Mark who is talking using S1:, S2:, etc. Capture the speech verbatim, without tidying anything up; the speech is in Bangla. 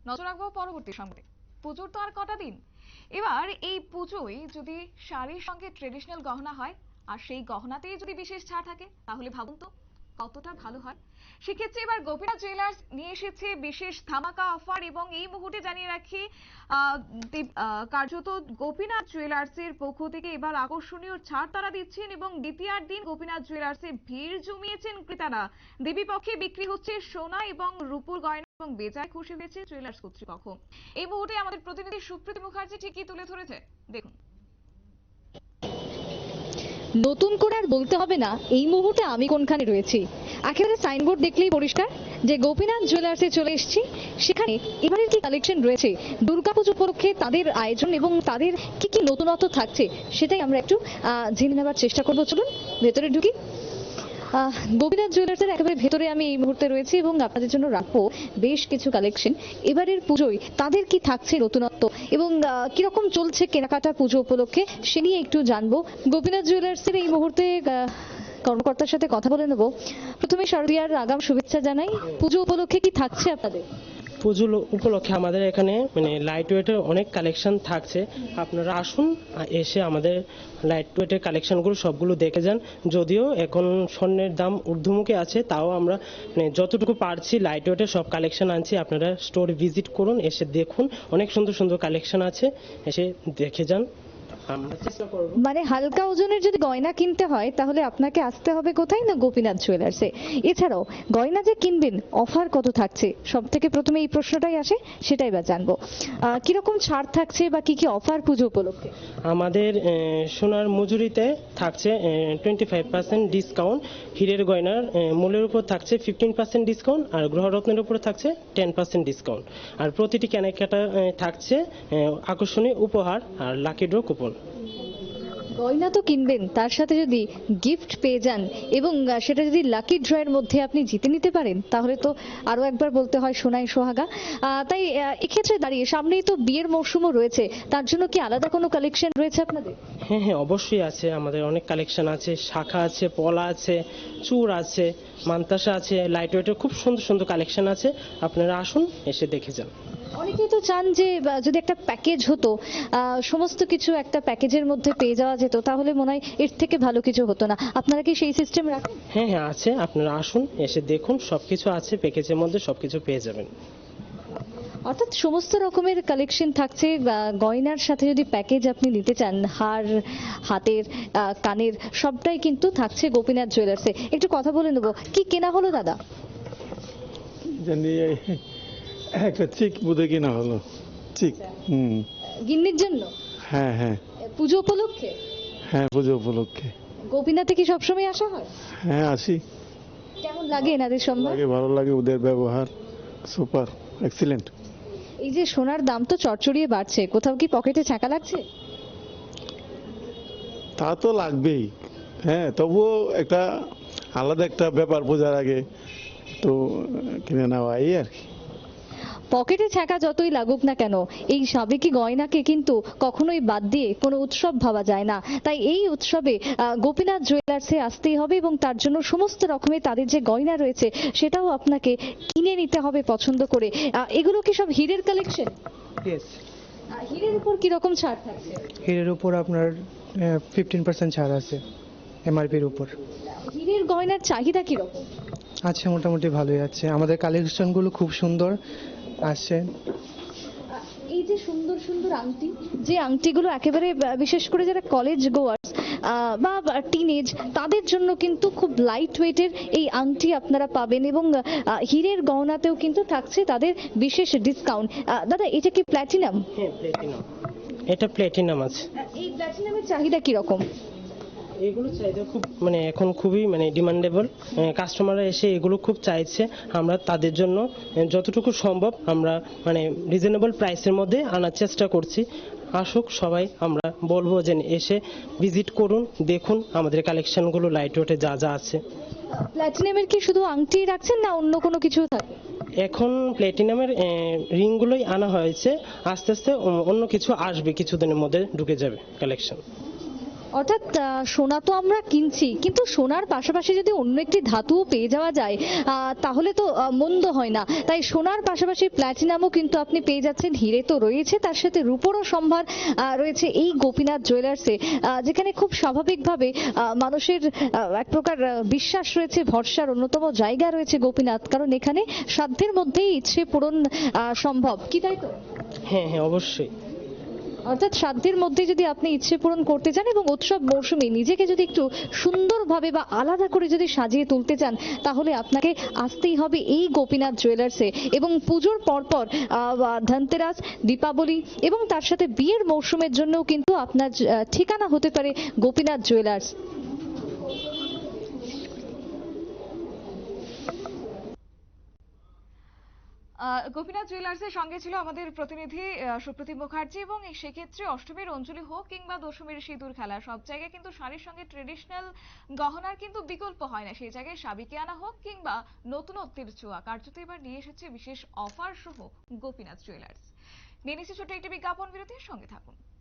S1: নজর রাখবো পরবর্তী সংবাদে। পুজোর তো আর কটা দিন, এবার এই পুজোয় যদি শাড়ির সঙ্গে ট্রেডিশনাল গহনা হয় আর সেই গহনাতেই যদি বিশেষ ছাড় থাকে তাহলে ভাবুন তো কতটা ভালো হয়। সেক্ষেত্রে এবার গোপীনাথ জুয়েলার্স নিয়ে এসেছে বিশেষ ধামাকা অফার এবং এই মুহূর্তে জানিয়ে রাখি কার্যত গোপীনাথ জুয়েলার্সের পক্ষ থেকে এবার আকর্ষণীয় ছাড় তারা দিচ্ছেন এবং দ্বিতীয়ার দিন গোপীনাথ জুয়েলার্সে ভিড় জমিয়েছেন ক্রেতারা। দেবী পক্ষে বিক্রি হচ্ছে সোনা এবং রূপোর গয়না এবং বেজায় খুশি হয়েছে জুয়েলার্স কর্তৃপক্ষ। এই মুহূর্তে আমাদের প্রতিনিধি সুপ্রীতি মুখার্জি ঠিক কি তুলে ধরেছে দেখুন।
S2: নতুন করে আর বলতে হবে না এই মুহূর্তে আমি কোনখানে রয়েছি, একেবারে সাইনবোর্ড দেখলেই পরিষ্কার যে গোপীনাথ জুয়েলার্সে চলে এসেছি। সেখানে এবারের কি কালেকশন রয়েছে, দুর্গাপুজো উপলক্ষে তাদের আয়োজন এবং তাদের কি কি নতুনত্ব থাকছে সেটাই আমরা একটু জেনে নেবার চেষ্টা করবো। চলুন ভেতরে ঢুকি। গোপীনাথ জুয়েলার্সের একেবারে ভেতরে আমি এই মুহূর্তে রয়েছি এবং আপনাদের জন্য রাখবো বেশ কিছু কালেকশন। এবারের পুজোয় তাদের কি থাকছে নতুনত্ব এবং কিরকম চলছে কেনাকাটা পুজো উপলক্ষে সে নিয়ে একটু জানবো। গোপীনাথ জুয়েলার্সের এই মুহূর্তে কর্মকর্তার সাথে কথা বলে নেবো। প্রথমে শারদীয়ার আগাম শুভেচ্ছা জানাই। পুজো উপলক্ষে কি থাকছে আপনাদের?
S3: পুজো উপলক্ষে আমাদের এখানে মানে লাইট ওয়েটের অনেক কালেকশন থাকছে, আপনারা আসুন এসে আমাদের লাইট ওয়েটের কালেকশনগুলো সবগুলো দেখে যান। যদিও এখন স্বর্ণের দাম ঊর্ধ্বমুখী আছে, তাও আমরা মানে যতটুকু পারছি লাইট ওয়েটের সব কালেকশন আনছি। আপনারা স্টোর ভিজিট করুন, এসে দেখুন, অনেক সুন্দর সুন্দর কালেকশন আছে, এসে দেখে যান।
S2: মানে হালকা ওজনের যদি গয়না কিনতে হয় তাহলে আপনাকে আসতে হবে কোথায় না গোপীনাথ জুয়েলার্সে। এছাড়াও গয়না যে কিনবেন অফার কত থাকছে, সব থেকে প্রথমে এই প্রশ্নটাই আসে, সেটাই বা জানবো। কিরকম ছাড় থাকছে বা কি কি অফার পুজো উপলক্ষে?
S3: আমাদের সোনার মজুরিতে থাকছে টোয়েন্টি ফাইভ পার্সেন্ট ডিসকাউন্ট, হীরের গয়নার মূল্যের উপর থাকছে ফিফটিন পার্সেন্ট ডিসকাউন্ট, আর গ্রহরত্নের উপর থাকছে টেন পার্সেন্ট ডিসকাউন্ট। আর প্রতিটি কেনাকাটা থাকছে আকর্ষণীয় উপহার আর লাকি ড্র কুপন।
S2: গয়না তো কিনবেন, তার সাথে যদি গিফট পেয়ে যান এবং সেটা যদি লাকি ড্রয়ের মধ্যে আপনি জিতে নিতে পারেন তাহলে তো আরো একবার বলতে হয় সোনাই সোহাগা। তাই এক্ষেত্রে দাঁড়িয়ে সামনেই তো বিয়ের মৌসুমও রয়েছে, তার জন্য কি আলাদা কোনো কালেকশন রয়েছে আপনাদের?
S3: হ্যাঁ হ্যাঁ অবশ্যই আছে, আমাদের অনেক কালেকশন আছে। শাখা আছে, পলা আছে, চূড় আছে, মান্তাসা আছে, লাইট ওয়েটের খুব সুন্দর সুন্দর কালেকশন আছে, আপনারা আসুন এসে দেখে যান।
S2: অনেকেই তো চান যে যদি একটা প্যাকেজ হতো, সমস্ত কিছু একটা প্যাকেজের মধ্যে পেয়ে যাওয়া যেত, তাহলে মনে হয় এর থেকে ভালো কিছু হতো না। আপনারা কি সেই সিস্টেম রাখেন?
S3: হ্যাঁ হ্যাঁ আছে, আপনারা আসুন এসে দেখুন, সবকিছু আছে প্যাকেজের মধ্যে, সবকিছু পেয়ে যাবেন।
S2: অর্থাৎ সমস্ত রকমের কালেকশন থাকছে। গয়নার সাথে যদি প্যাকেজ আপনি নিতে চান, হার, হাতের, কানের, সবটাই কিন্তু থাকছে গোপীনাথ জুয়েলার্সে। একটু কথা বলে নেবো, কি কেনা হলো দাদা?
S4: একটা চিক বুঝে কিনা হলো। চিক হুম
S2: গিন্নির জন্য?
S4: হ্যাঁ হ্যাঁ
S2: পুজো উপলক্ষে?
S4: হ্যাঁ পুজো উপলক্ষে।
S2: গোপীনাথে কি সবসময় আসা হয়?
S4: হ্যাঁ আসি।
S2: কেমন লাগে এনাদের সম্মান?
S4: লাগে, ভালো লাগে, ওদের ব্যবহার সুপার এক্সিলেন্ট।
S2: এই যে সোনার দাম তো চড়চড়িয়ে বাড়ছে, কোথাও কি পকেটে ছাকা লাগছে?
S4: তা তো লাগবেই, হ্যাঁ, তবুও একটা আলাদা একটা ব্যাপার বোঝার আগে তো কিনে নেওয়া এই আর কি।
S2: পকেটে ছাকা যতই লাগুক না কেন, এই সাবেকি গয়নাকে কিন্তু কখনোই বাদ দিয়ে কোনো উৎসব ভাবা যায় না। তাই এই উৎসবে গোপীনাথ জুয়েলার্সে আসতেই হবে এবং তার জন্য সমস্ত রকমের তাদের যে গয়না রয়েছে সেটাও আপনাকে কিনে নিতে হবে পছন্দ করে। এগুলো কি সব হীরের কালেকশন? হীরের উপর কি রকম ছাড় থাকছে?
S5: হীরের উপর আপনার ফিফটিন পার্সেন্ট ছাড় আছে এমআরপির উপর।
S2: হীরের গয়নার চাহিদা কি রকম
S5: আছে? মোটামুটি ভালোই আছে, আমাদের কালেকশনগুলো খুব সুন্দর আসছে।
S2: এই যে সুন্দর সুন্দর আংটি, যে আংটিগুলো একেবারে বিশেষ করে যারা কলেজ গোয়ার্স বা টিনেজ তাদের জন্য কিন্তু খুব লাইট ওয়েটের এই আংটি আপনারা পাবেন এবং হীরের গহনাতেও কিন্তু থাকছে তাদের বিশেষ ডিসকাউন্ট। দাদা এটা কি প্ল্যাটিনাম?
S3: হ্যাঁ প্ল্যাটিনাম, এটা প্ল্যাটিনাম আছে।
S2: এই প্ল্যাটিনামের চাহিদা কি রকম?
S3: এগুলো চাহিদা খুব মানে এখন খুবই মানে ডিমান্ডেবল, কাস্টমাররা এসে এগুলো খুব চাইছে। আমরা তাদের জন্য যতটুকু সম্ভব আমরা মানে রিজনেবল প্রাইসের মধ্যে আনার চেষ্টা করছি। আসুক সবাই, আমরা বলবো যে এসে ভিজিট করুন, দেখুন আমাদের কালেকশনগুলো লাইট ওয়েটে যা যা আছে।
S2: প্ল্যাটিনামের কি শুধু আংটি রাখছেন না অন্য কোনো কিছু থাকে?
S3: এখন প্ল্যাটিনামের রিংগুলোই আনা হয়েছে, আস্তে আস্তে অন্য কিছু আসবে, কিছুদিনের মধ্যে ঢুকে যাবে কালেকশন।
S2: অর্থাৎ আহ, সোনা তো আমরা কিনছি, কিন্তু সোনার পাশাপাশি যদি অন্য একটি ধাতুও পেয়ে যাওয়া যায় আহ, তাহলে তো আহ, মন্দ হয় না। তাই সোনার পাশাপাশি প্ল্যাটিনামও কিন্তু আপনি পেয়ে যাচ্ছেন, হিরে তো রয়েছে, তার সাথে রূপোরও সম্ভার আহ, রয়েছে এই গোপীনাথ জুয়েলার্সে, আহ, যেখানে খুব স্বাভাবিকভাবে আহ, মানুষের আহ, এক প্রকার আহ, বিশ্বাস রয়েছে, ভরসার অন্যতম জায়গা রয়েছে গোপীনাথ, কারণ এখানে সাধ্যের মধ্যেই ইচ্ছে পূরণ আহ, সম্ভব, কি তাই তো?
S3: হ্যাঁ হ্যাঁ অবশ্যই।
S2: অর্থাৎ সাধ্যের মধ্যে যদি আপনি ইচ্ছে পূরণ করতে চান এবং উৎসব মৌসুমে নিজেকে যদি একটু সুন্দরভাবে বা আলাদা করে যদি সাজিয়ে তুলতে চান, তাহলে আপনাকে আসতেই হবে এই গোপীনাথ জুয়েলার্সে। এবং পুজোর পরপর আহ, ধনতেরাস, দীপাবলি এবং তার সাথে বিয়ের মৌসুমের জন্যও কিন্তু আপনার আহ, ঠিকানা হতে পারে গোপীনাথ জুয়েলার্স।
S1: আহ, গোপীনাথ জুয়েলার্সের সঙ্গে ছিল আমাদের প্রতিনিধি আহ, সুপ্রতিম মুখার্জি, এবং এই সেক্ষেত্রে অষ্টমীর অঞ্জলি হোক কিংবা দশমীর সিঁদুর খেলা, সব জায়গায় কিন্তু শাড়ির সঙ্গে ট্রেডিশনাল গহনার কিন্তু বিকল্প হয় না। সেই জায়গায় সাবিকে আনা হোক কিংবা নতুনত্বের ছোঁয়া, কার্যত এবার নিয়ে এসেছে বিশেষ অফার সহ গোপীনাথ জুয়েলার্স। নিয়ে নিচ্ছে ছোট্ট একটি বিজ্ঞাপন বিরতির সঙ্গে থাকুন।